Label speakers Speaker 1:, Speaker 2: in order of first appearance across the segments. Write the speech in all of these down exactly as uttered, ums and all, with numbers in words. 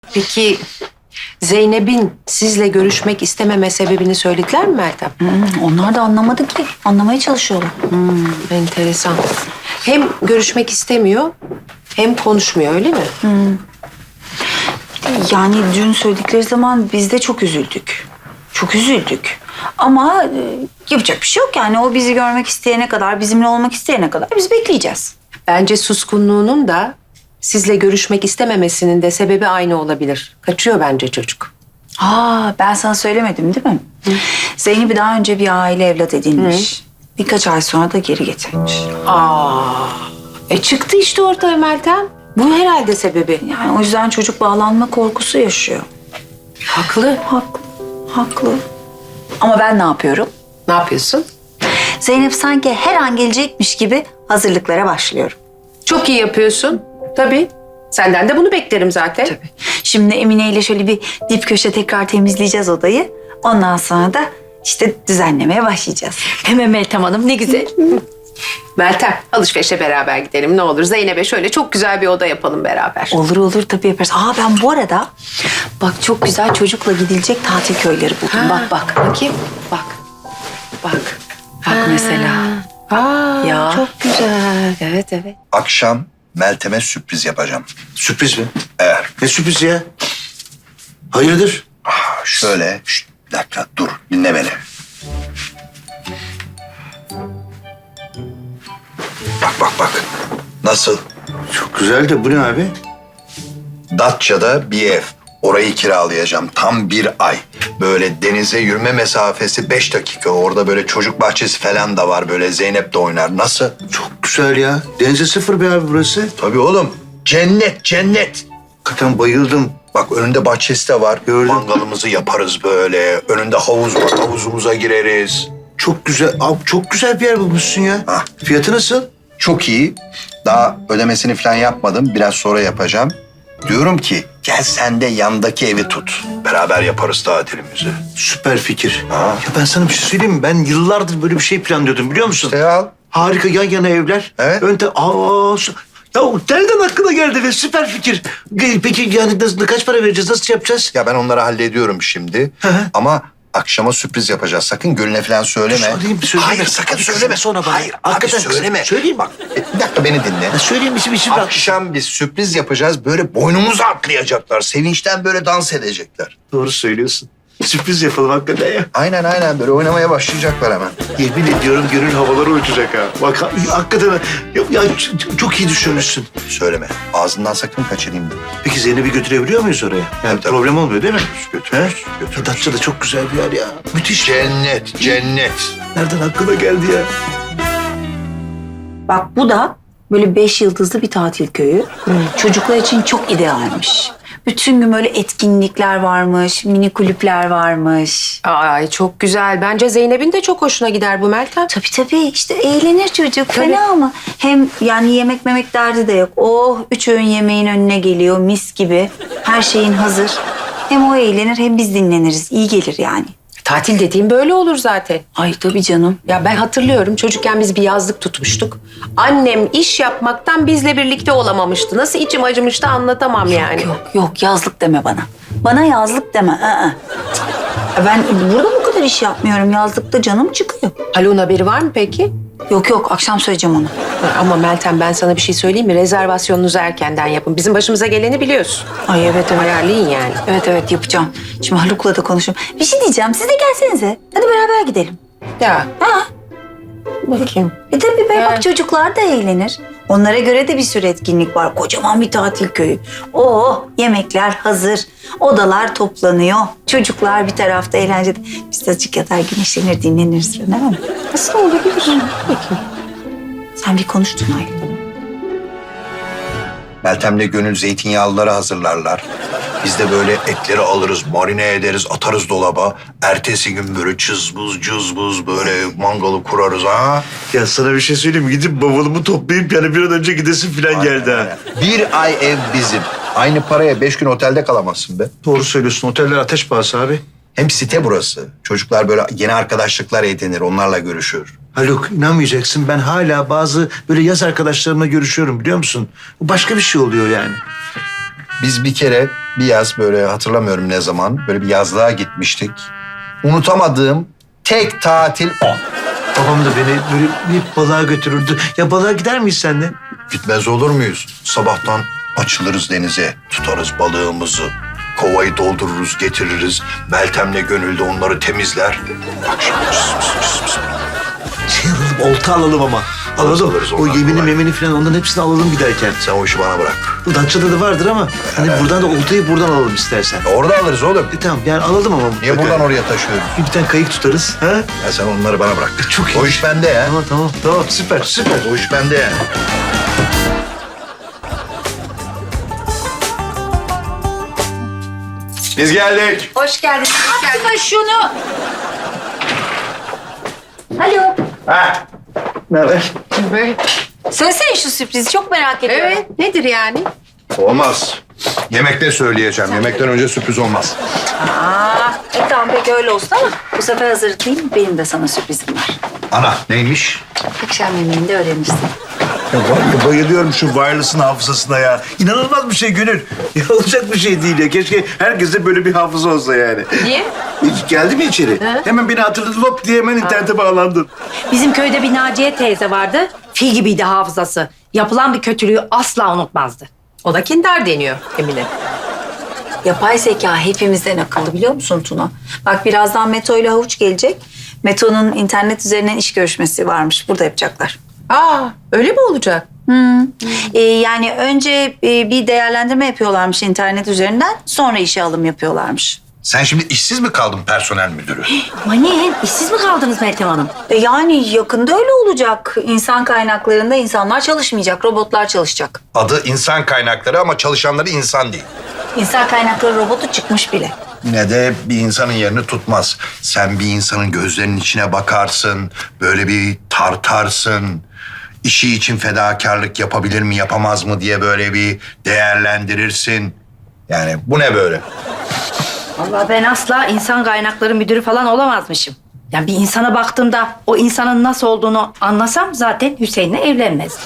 Speaker 1: Peki Zeynep'in sizle görüşmek istememe sebebini söylediler mi Meltem?
Speaker 2: Hmm, onlar da anlamadı ki. Anlamaya çalışıyorlar.
Speaker 1: Hmm, enteresan. Hem görüşmek istemiyor hem konuşmuyor öyle mi?
Speaker 2: Hmm. Yani dün söyledikleri zaman biz de çok üzüldük. Çok üzüldük. Ama e, yapacak bir şey yok yani. O bizi görmek isteyene kadar, bizimle olmak isteyene kadar biz bekleyeceğiz.
Speaker 1: Bence suskunluğunun da sizle görüşmek istememesinin de sebebi aynı olabilir. Kaçıyor bence çocuk.
Speaker 2: Aa, ben sana söylemedim değil mi? Hı. Zeynep'i daha önce bir aile evlat edinmiş. Hı. Birkaç ay sonra da geri getirmiş.
Speaker 1: Aa, e çıktı işte ortaya Meltem. Bu herhalde sebebi.
Speaker 2: Yani o yüzden çocuk bağlanma korkusu yaşıyor.
Speaker 1: Haklı.
Speaker 2: Haklı, haklı. Ama ben ne yapıyorum?
Speaker 1: Ne yapıyorsun?
Speaker 2: Zeynep sanki her an gelecekmiş gibi hazırlıklara başlıyorum.
Speaker 1: Çok iyi yapıyorsun. Tabii. Senden de bunu beklerim zaten.
Speaker 2: Tabii. Şimdi Emine ile şöyle bir dip köşe tekrar temizleyeceğiz odayı. Ondan sonra da işte düzenlemeye başlayacağız.
Speaker 1: Hemen Meltem Hanım ne güzel. Meltem alışverişe beraber gidelim ne olur. Zeynep'e şöyle çok güzel bir oda yapalım beraber.
Speaker 2: Olur olur tabii yaparız. Aa ben bu arada bak çok güzel çocukla gidilecek tatil köyleri buldum.
Speaker 1: Ha,
Speaker 2: Bak bak.
Speaker 1: Bakayım. Bak. Bak.
Speaker 2: Bak mesela.
Speaker 1: Aa,
Speaker 2: Ya.
Speaker 1: çok güzel. Evet evet.
Speaker 3: Akşam Meltem'e sürpriz yapacağım.
Speaker 4: Sürpriz mi?
Speaker 3: Eğer
Speaker 4: Ne sürprizi ya? Hayırdır?
Speaker 3: ah, şöyle, şşt, bir dakika dur dinle beni. Bak bak bak. Nasıl?
Speaker 4: Çok güzel de bu ne abi?
Speaker 3: Datça'da bir ev. Orayı kiralayacağım tam bir ay. Böyle denize yürüme mesafesi beş dakika. Orada böyle çocuk bahçesi falan da var. Böyle Zeynep de oynar. Nasıl?
Speaker 4: Çok güzel ya. Denize sıfır be abi burası.
Speaker 3: Tabii oğlum. Cennet, cennet.
Speaker 4: Hakikaten bayıldım.
Speaker 3: Bak önünde bahçesi de var.
Speaker 4: Gördüm.
Speaker 3: Mangalımızı yaparız böyle. Önünde havuz var. Havuzumuza gireriz.
Speaker 4: Çok güzel. Abi çok güzel bir yer bulmuşsun ya.
Speaker 3: Hah.
Speaker 4: Fiyatı nasıl?
Speaker 3: Çok iyi. Daha ödemesini falan yapmadım. Biraz sonra yapacağım. Diyorum ki gel sen de yandaki evi tut. Beraber yaparız tatilimizi.
Speaker 4: Süper fikir.
Speaker 3: Ha.
Speaker 4: Ya ben sana bir şey söyleyeyim mi? Ben yıllardır böyle bir şey planlıyordum biliyor musun?
Speaker 3: İşte al.
Speaker 4: Harika yan yana evler.
Speaker 3: Evet.
Speaker 4: Önte aa su- ya nereden aklına geldi ve süper fikir. Peki yani nasıl, kaç para vereceğiz? Nasıl yapacağız?
Speaker 3: Ya ben onları hallediyorum şimdi.
Speaker 4: Hı hı.
Speaker 3: Ama akşama sürpriz yapacağız. Sakın Gül'üne falan söyleme.
Speaker 4: Söyleyeyim, söyleme.
Speaker 3: Hayır sakın
Speaker 4: Abi,
Speaker 3: söyleme.
Speaker 4: sonra bana.
Speaker 3: Hayır abi
Speaker 4: Hakikaten
Speaker 3: söyleme.
Speaker 4: söyleyeyim.
Speaker 3: Bak e, bir dakika beni dinle.
Speaker 4: Ya söyleyeyim işim işim.
Speaker 3: Akşam biz sürpriz yapacağız. Böyle boynumuzu atlayacaklar. Sevinçten böyle dans edecekler.
Speaker 4: Doğru söylüyorsun. Sürpriz yapalım hakikaten ya.
Speaker 3: Aynen aynen böyle oynamaya başlayacaklar hemen.
Speaker 4: Yemin ediyorum gönül havaları uçacak ha. Bak ha- hakikaten ya, ya ç- çok iyi düşünmüşsün.
Speaker 3: Söyleme. Ağzından sakın kaçırayım deme.
Speaker 4: Peki Zeynep'i götürebiliyor muyuz oraya? Yani
Speaker 3: Tabii, tabii.
Speaker 4: problem olmuyor değil mi?
Speaker 3: Götürürüz,
Speaker 4: He?
Speaker 3: götürürüz.
Speaker 4: Datça da çok güzel bir yer ya. Müthiş.
Speaker 3: Cennet, cennet.
Speaker 4: Nereden aklına geldi ya?
Speaker 2: Bak bu da böyle beş yıldızlı bir tatil köyü. Çocuklar için çok idealmiş. Bütün gün böyle etkinlikler varmış, mini kulüpler varmış.
Speaker 1: Ay çok güzel. Bence Zeynep'in de çok hoşuna gider bu Meltem.
Speaker 2: Tabii tabii işte eğlenir çocuk
Speaker 1: Tabii.
Speaker 2: fena mı? Hem yani yemek memek derdi de yok. Oh üç öğün yemeğin önüne geliyor mis gibi. Her şeyin hazır. Hem o eğlenir hem biz dinleniriz. İyi gelir yani.
Speaker 1: Tatil dediğim böyle olur zaten.
Speaker 2: Ay tabii canım.
Speaker 1: Ya ben hatırlıyorum çocukken biz bir yazlık tutmuştuk. Annem iş yapmaktan bizle birlikte olamamıştı. Nasıl içim acımıştı anlatamam yani.
Speaker 2: Yok yok yazlık deme bana. Bana yazlık deme. Aa. Ben burada bu kadar iş yapmıyorum. Yazlıkta canım çıkıyor.
Speaker 1: Haluk'un haberi var mı peki?
Speaker 2: Yok yok akşam söyleyeceğim onu.
Speaker 1: Ama Meltem ben sana bir şey söyleyeyim mi? Rezervasyonunuzu erkenden yapın. Bizim başımıza geleni biliyorsun.
Speaker 2: Ay evet evet.
Speaker 1: Ayarlayın yani.
Speaker 2: Evet evet yapacağım. Şimdi Haluk'la da konuşurum. Bir şey diyeceğim. Siz de gelsenize. Hadi beraber gidelim.
Speaker 1: Ya
Speaker 2: Ha?
Speaker 1: bakayım.
Speaker 2: E tabii be
Speaker 1: Evet.
Speaker 2: bak çocuklar da eğlenir. Onlara göre de bir sürü etkinlik var. Kocaman bir tatil köyü. Oo yemekler hazır. Odalar toplanıyor. Çocuklar bir tarafta eğlencede. Biz de azıcık yatar güneşlenir dinleniriz falan değil mi?
Speaker 1: Nasıl olabilir? Bakayım.
Speaker 2: Sen bir konuştun Aylin.
Speaker 3: Meltem'le Gönül zeytinyağlıları hazırlarlar. Biz de böyle etleri alırız, marine ederiz, atarız dolaba. Ertesi gün böyle cızbız cızbız böyle mangalı kurarız ha.
Speaker 4: Ya sana bir şey söyleyeyim mi? Gidip bavulumu toplayıp yani bir an önce gidesim falan geldi ha.
Speaker 3: Bir ay ev bizim. Aynı paraya beş gün otelde kalamazsın be.
Speaker 4: Doğru söylüyorsun. Oteller ateş pahası abi.
Speaker 3: Hem site burası. Çocuklar böyle yeni arkadaşlıklar edinir, onlarla görüşür.
Speaker 4: Haluk inanmayacaksın ben hala bazı böyle yaz arkadaşlarımla görüşüyorum biliyor musun? Bu başka bir şey oluyor yani.
Speaker 3: Biz bir kere bir yaz böyle hatırlamıyorum ne zaman böyle bir yazlığa gitmiştik. Unutamadığım tek tatil o.
Speaker 4: Babam da beni böyle bir balığa götürürdü. Ya balığa gider miyiz seninle?
Speaker 3: Gitmez olur muyuz? Sabahtan açılırız denize, tutarız balığımızı. Kovayı doldururuz, getiririz. Meltem'le Gönül de onları temizler. Akşam cıs cıs cıs cıs.
Speaker 4: Şey alalım, olta alalım ama.
Speaker 3: Alırız,
Speaker 4: Alalım.
Speaker 3: alırız,
Speaker 4: O
Speaker 3: onlar
Speaker 4: yemini
Speaker 3: kolay.
Speaker 4: memeni falan onların hepsini alalım giderken.
Speaker 3: Sen o işi bana bırak.
Speaker 4: Datça'da da vardır ama hani buradan da oltayı buradan alalım istersen.
Speaker 3: Orada alırız oğlum.
Speaker 4: E tamam yani alalım ama
Speaker 3: Niye
Speaker 4: mutlaka.
Speaker 3: buradan oraya taşıyoruz?
Speaker 4: Bir tane kayık tutarız. Ha?
Speaker 3: Ya sen onları bana bırak.
Speaker 4: Çok iyi.
Speaker 3: O iş bende ya.
Speaker 4: Tamam tamam tamam süper süper.
Speaker 3: O iş bende ya. Biz geldik.
Speaker 1: Hoş geldin. Hoş geldin.
Speaker 2: Atma şunu. Alo.
Speaker 3: Ha.
Speaker 4: Ne haber?
Speaker 2: Söylesene şu sürprizi çok merak ediyorum.
Speaker 1: Evet, nedir yani?
Speaker 3: Olmaz. Yemekte söyleyeceğim. Yemekten önce sürpriz olmaz.
Speaker 2: Aa, e tamam peki öyle olsun ama bu sefer hazırlıklayayım. Benim de sana sürprizim var.
Speaker 3: Ana neymiş?
Speaker 2: Akşam yemeğinde öğrenirsin.
Speaker 4: Ya bay- bayılıyorum şu wireless'ın hafızasına ya. İnanılmaz bir şey Gönül. Ya olacak bir şey değil ya. Keşke herkeste böyle bir hafıza olsa yani.
Speaker 1: Niye?
Speaker 4: Hiç geldi mi içeri? Hemen beni hatırladı lop diye hemen internete bağlandın.
Speaker 5: Bizim köyde bir Naciye teyze vardı. Fil gibiydi hafızası. Yapılan bir kötülüğü asla unutmazdı.
Speaker 1: O da kindar deniyor Emine.
Speaker 2: Yapay zeka hepimizden akıllı biliyor musun Tuna? Bak birazdan Meto ile Havuç gelecek. Meto'nun internet üzerinden iş görüşmesi varmış. Burada yapacaklar.
Speaker 1: Aa, öyle mi olacak?
Speaker 2: Ee, yani önce e, bir değerlendirme yapıyorlarmış internet üzerinden. Sonra işe alım yapıyorlarmış.
Speaker 3: Sen şimdi işsiz mi kaldın personel müdürü?
Speaker 5: Aman işsiz mi kaldınız Meltem Hanım?
Speaker 2: E, yani yakında öyle olacak. İnsan kaynaklarında insanlar çalışmayacak, robotlar çalışacak.
Speaker 3: Adı insan kaynakları ama çalışanları insan değil.
Speaker 2: İnsan kaynakları robotu çıkmış bile.
Speaker 3: Yine de bir insanın yerini tutmaz. Sen bir insanın gözlerinin içine bakarsın, böyle bir tartarsın. İşi için fedakarlık yapabilir mi, yapamaz mı diye böyle bir değerlendirirsin. Yani bu ne böyle?
Speaker 5: Vallahi ben asla insan kaynakları müdürü falan olamazmışım. Yani bir insana baktığımda o insanın nasıl olduğunu anlasam zaten Hüseyin'le evlenmezdim.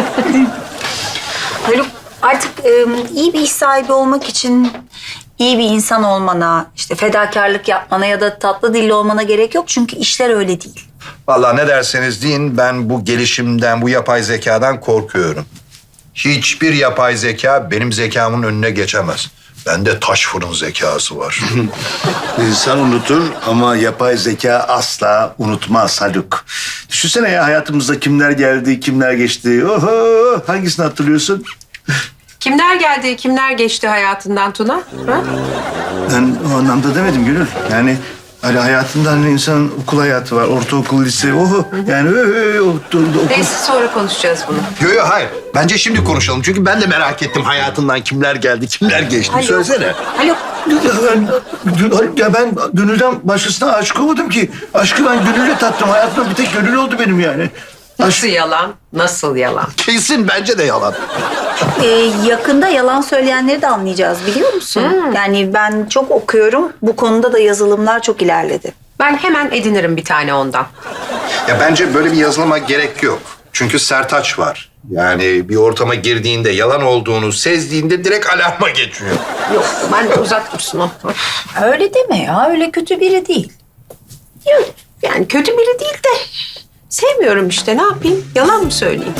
Speaker 2: Haluk artık e, iyi bir iş sahibi olmak için iyi bir insan olmana, işte fedakarlık yapmana ya da tatlı dilli olmana gerek yok. Çünkü işler öyle değil.
Speaker 3: Vallahi ne derseniz deyin, ben bu gelişimden, bu yapay zekadan korkuyorum. Hiçbir yapay zeka benim zekamın önüne geçemez. Bende taş fırın zekası var.
Speaker 4: İnsan unutur ama yapay zeka asla unutmaz Haluk. Düşünsene ya hayatımızda kimler geldi, kimler geçti. Oho, hangisini hatırlıyorsun?
Speaker 1: Kimler geldi, kimler geçti hayatından Tuna? Ha?
Speaker 4: Ben o anlamda demedim Gönül. Yani hani hayatında hani insanın okul hayatı var, ortaokul, lise, oho. Yani ö, ö, o- o- okul...
Speaker 1: Neyse sonra konuşacağız bunu.
Speaker 3: Yo yo hayır. Bence şimdi konuşalım. Çünkü ben de merak ettim hayatından kimler geldi, kimler geçti. Söylesene.
Speaker 1: Haluk,
Speaker 4: Ya ben, ya ben Gönül'den başkasına aşık olmadım ki. Aşkı ben Gönül'le tattım. Hayatımda bir tek Gönül oldu benim yani.
Speaker 1: nasıl yalan, nasıl yalan?
Speaker 3: Kesin bence de yalan.
Speaker 2: E, yakında yalan söyleyenleri de anlayacağız biliyor musun? Yani ben çok okuyorum. Bu konuda da yazılımlar çok ilerledi.
Speaker 1: Ben hemen edinirim bir tane ondan.
Speaker 3: Ya bence böyle bir yazılıma gerek yok. Çünkü sertaç var. Yani bir ortama girdiğinde, yalan olduğunu sezdiğinde direkt alarma geçiyor.
Speaker 1: Yok, ben de uzak dursun o.
Speaker 2: Öyle deme ya. Öyle kötü biri değil.
Speaker 1: Yok, yani kötü biri değil de sevmiyorum işte, ne yapayım? Yalan mı söyleyeyim?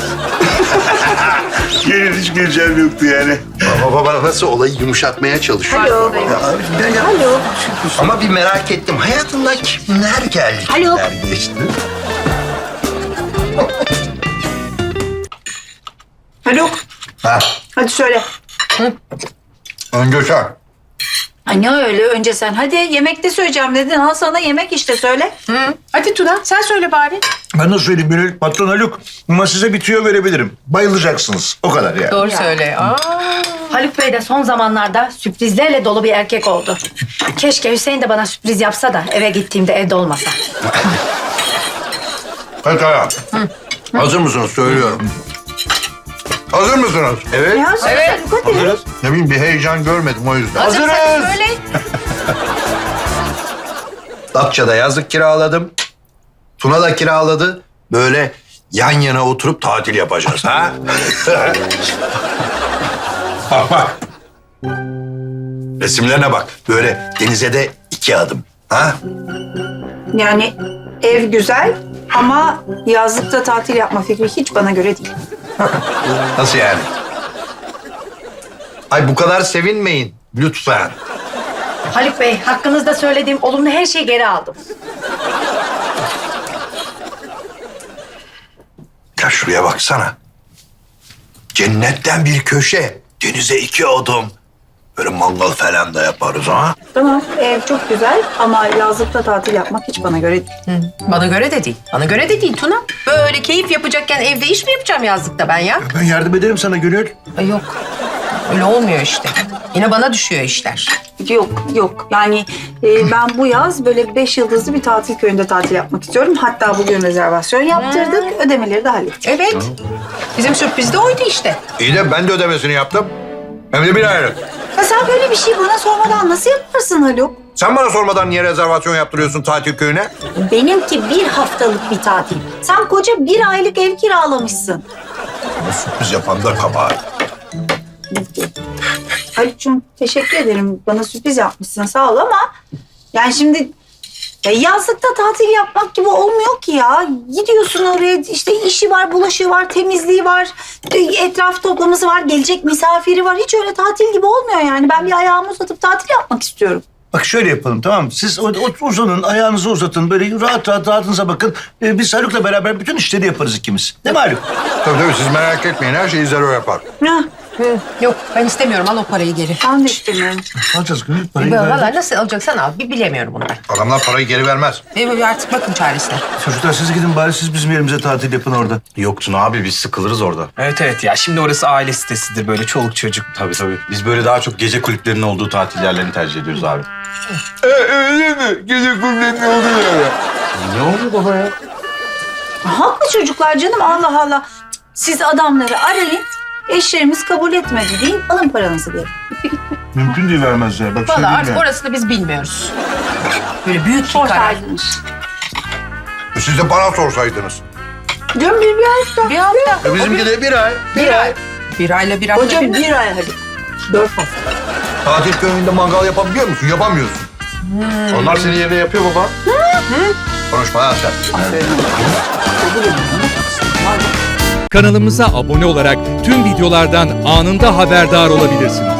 Speaker 4: Gönül hiç güleceğim yoktu yani.
Speaker 3: Baba baba nasıl olayı yumuşatmaya çalışıyor.
Speaker 1: Farkındayım.
Speaker 4: Ya, ben ya,
Speaker 2: Alo.
Speaker 3: Ama bir merak ettim. Hayatından kimler geldi,
Speaker 2: Alo.
Speaker 3: kimler geçti?
Speaker 2: Haluk.
Speaker 3: Ha,
Speaker 2: Hadi söyle.
Speaker 3: önce sen.
Speaker 2: Ay ne öyle önce sen. Hadi yemekte söyleyeceğim dedin. Al sana yemek işte söyle.
Speaker 1: Hı. Hadi Tuna, sen söyle bari.
Speaker 4: Ben nasıl söyleyeyim Gönül? Patron Haluk. Ama size bir tüyo verebilirim. Bayılacaksınız. O kadar yani.
Speaker 1: Doğru söyle. Aa.
Speaker 5: Haluk Bey de son zamanlarda sürprizlerle dolu bir erkek oldu. Keşke Hüseyin de bana sürpriz yapsa da eve gittiğimde evde olmasa.
Speaker 3: Pekala. Hazır mısınız? Söylüyorum. Hazır mısınız? Evet.
Speaker 2: Ya söyle Haluk hadi.
Speaker 4: Hazırız.
Speaker 3: Ne bileyim bir heyecan görmedim o yüzden.
Speaker 1: Hazırsan söyle.
Speaker 3: Datça'da yazlık kiraladım. Tuna da kiraladı. Böyle yan yana oturup tatil yapacağız ha? Bak bak. Resimlerine bak. Böyle denize de iki adım. Ha?
Speaker 2: Yani ev güzel ama yazlıkta tatil yapma fikri hiç bana göre değil.
Speaker 3: Nasıl yani? Ay bu kadar sevinmeyin lütfen.
Speaker 5: Haluk Bey, hakkınızda söylediğim olumlu her şeyi geri aldım.
Speaker 3: Ya şuraya baksana. Cennetten bir köşe. Denize iki adım. Böyle mangal falan da yaparız ha.
Speaker 2: Tamam, ev çok güzel ama yazlıkta tatil yapmak hiç bana göre değil.
Speaker 1: Bana göre de değil. Bana göre de değil Tuna. Böyle keyif yapacakken evde iş mi yapacağım yazlıkta ben ya?
Speaker 4: Ben yardım ederim sana Gönül.
Speaker 1: Ay yok. Öyle olmuyor işte. Yine bana düşüyor işler.
Speaker 2: Yok, yok. Yani e, ben bu yaz böyle beş yıldızlı bir tatil köyünde tatil yapmak istiyorum. Hatta bugün rezervasyon yaptırdık. Ödemeleri de hallettik.
Speaker 1: Evet. Bizim sürpriz de oydu işte.
Speaker 3: İyi de ben de ödemesini yaptım. Hem de bir aylık.
Speaker 2: Ya sen böyle bir şey bana sormadan nasıl yaparsın Haluk?
Speaker 3: Sen bana sormadan niye rezervasyon yaptırıyorsun tatil köyüne?
Speaker 2: Benimki bir haftalık bir tatil. Sen koca bir aylık ev kiralamışsın.
Speaker 3: Bu sürpriz yapan da kabahat.
Speaker 2: Haluk'cum teşekkür ederim. Bana sürpriz yapmışsın sağ ol ama... Yani şimdi ya yazlıkta tatil yapmak gibi olmuyor ki ya. Gidiyorsun oraya işte işi var, bulaşığı var, temizliği var, etraf toplaması var, gelecek misafiri var. Hiç öyle tatil gibi olmuyor yani. Ben bir ayağımı uzatıp tatil yapmak istiyorum.
Speaker 4: Bak şöyle yapalım tamam mı? Siz o, o, uzanın, ayağınızı uzatın. Böyle rahat rahat rahatınıza bakın. Ee, biz Haluk'la beraber bütün işleri yaparız ikimiz. Değil mi Haluk?
Speaker 3: Tabii tabii siz merak etmeyin. Her şeyi Zero yapar.
Speaker 2: Hah,
Speaker 1: Hı, yok ben istemiyorum. Al o parayı geri.
Speaker 2: ben de istemiyorum.
Speaker 4: Alacağız Gönül. Parayı
Speaker 1: Valla
Speaker 4: verdik.
Speaker 1: nasıl alacaksan al. Bir bilemiyorum onu ben.
Speaker 3: Adamlar parayı geri vermez.
Speaker 1: E, artık bakın çaresine.
Speaker 4: Çocuklar siz gidin bari siz bizim yerimize tatil yapın orada.
Speaker 6: Yoksun abi biz sıkılırız orada.
Speaker 7: Evet evet ya şimdi orası aile sitesidir böyle çoluk çocuk.
Speaker 6: Tabii tabii. Biz böyle daha çok gece kulüplerinin olduğu tatil yerlerini tercih ediyoruz abi.
Speaker 3: öyle mi? Gece kulübünün olduğu yere.
Speaker 6: Ne oluyor baba ya?
Speaker 2: Haklı çocuklar canım Allah Allah. Siz adamları arayın. Eşlerimiz kabul etmedi deyin. Alın paranızı diye.
Speaker 4: Mümkün değil vermezler. Bak
Speaker 1: Valla
Speaker 4: söyleyeyim
Speaker 1: artık
Speaker 4: ya.
Speaker 1: orasını biz bilmiyoruz. Böyle büyük bir karar.
Speaker 2: Sorsaydınız.
Speaker 3: Siz de bana sorsaydınız.
Speaker 2: Diyorum bir bir hafta.
Speaker 1: Bir hafta.
Speaker 3: E bizimki de bir ay.
Speaker 1: Bir ay. Bir ayla bir hafta.
Speaker 2: Hocam
Speaker 1: bir-
Speaker 2: bir ay hadi. Dört hafta.
Speaker 3: Tatil köyünde mangal yapabiliyor musun? Yapamıyorsun.
Speaker 6: Onlar senin yerine yapıyor baba.
Speaker 3: Konuşma ha sen.
Speaker 8: Kanalımıza abone olarak tüm videolardan anında haberdar olabilirsiniz.